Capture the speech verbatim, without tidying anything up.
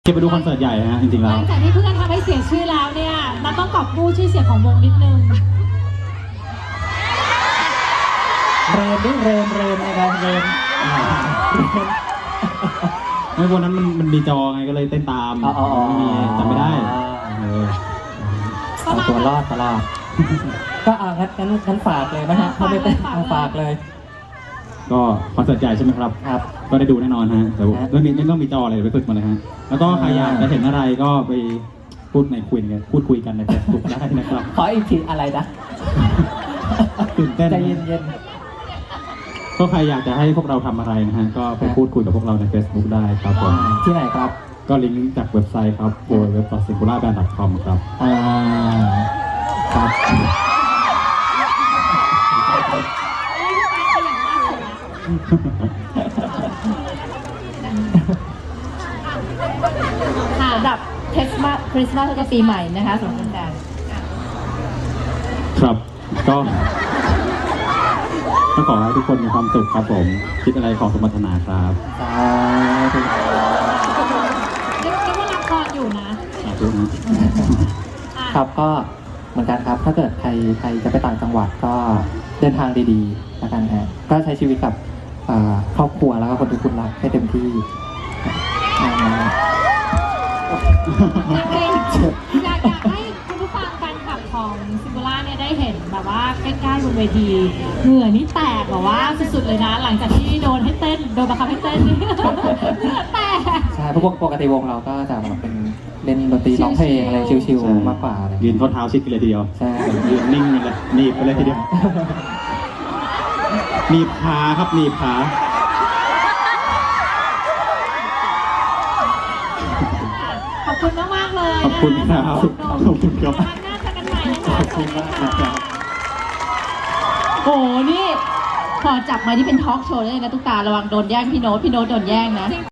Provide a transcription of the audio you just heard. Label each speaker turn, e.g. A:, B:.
A: เก็บไปดูคอนเสิร์ตใหญ่ฮะจริงๆ
B: ห
A: แล้
B: ลั
A: ว
B: งจากที่เพื่อนทำให้เสียชื่อแล้วเนี่ยมันต้องกอบกู้ชื่อเสียงของวงนิดนึง
C: เรมด้วยเรมเรมนะครับเรม
A: ไม่วันนั้นมันมันมีจอไงก็เลยเต้นตามไม่มีจำไม่ได้เออ
C: เอาตัวรอดตลอดก็อ่างั้นงั้นงั้นฝากเลยนะฮะเข้าไปเต้นเอาฝากเลย
A: ก็คอนเสิร์ตใหญ่ใช่ไหมครับ
C: ครับ
A: ก็ได้ดูแน่นอนฮะแต่เรื่องนี้ไม่ต้องมีจออะไรไปฝึกมาเลยฮะแล้วก็ใครอยากจะเห็นอะไรก็ไปพูดในคุยกันพูดคุยกันในเฟซบุ๊กได้นะครับ
C: ขออีกทีอะไรนะ
A: ตื่นเต้น
C: ใจเย็น
A: ก็ใครอยากจะให้พวกเราทำอะไรนะฮะก็ไปพูดคุยกับพวกเราใน Facebook ได้ครับผม
C: ๆที่ไหนครับ
A: ก็ลิงก์จากเว็บไซต์ครับ ดับเบิลยู ดับเบิลยู ดับเบิลยู ดอท ซิงคูล่าแบนด์ ดอท คอม ครับ
C: อ่าครับ
B: ค่ะ
D: สำหรับคริสต์มาสคริสต์มาสแล้วก็ปีใหม่นะคะสงกรานต์
A: ครับก็ก็ขอให้ทุกคนมีความสุขครับผมคิดอะไรขอสมปรารถนาครับ
C: สาธุ
B: เรียกว่าละครอยู่นะ
A: สาธุนะ
B: อ่ะ
C: ครับก็เหมือนกันครับ ถ้าเกิดใครใครจะไปต่างจังหวัดก็เดินทางดีๆแล้วกันฮะก็ใช้ชีวิตกับอ่าครอบครัวแล้วก็คนที่คุณรักให้เต็มที่อ่า
B: จริงๆอยากอยากให้คุณผู้ฟังแฟนคลับของซิงคูล่าเนี่ยได้เห็นแบบว่าใกล้ๆบนเวทีเหงื่อนี่แตกแบบว่าสุดๆเลยนะ หลังจากที่โดนให้เต้นโดนบังคับให้เต้นนี่ เหงื่อแตก
C: ใช่เพราะปกติวงเราก็จะแบบเป็นเล่นดนตรีร้องเพลงอะไรชิวๆมากกว่าอะไร
A: ยืนข้อเท้าชิดกันเลยทีเดียว
C: ใช่
A: ยืนนิ่งกันเลยหนีบไปเลยทีเดียวหนีบขาครับหนีบขา
B: ขอบคุณมากๆเลย
A: ขอบคุณครับขอบคุณครับ
B: วันหน้าเจอกันใหม่นะคะ
A: ขอบคุณมากครับ
D: โอ้นี่พอจับมานี่เป็นทอล์กโชว์เลยนะตุ๊กตาระวังโดนแย่งพี่โน้ตพี่โน้ตโดนแย่งนะ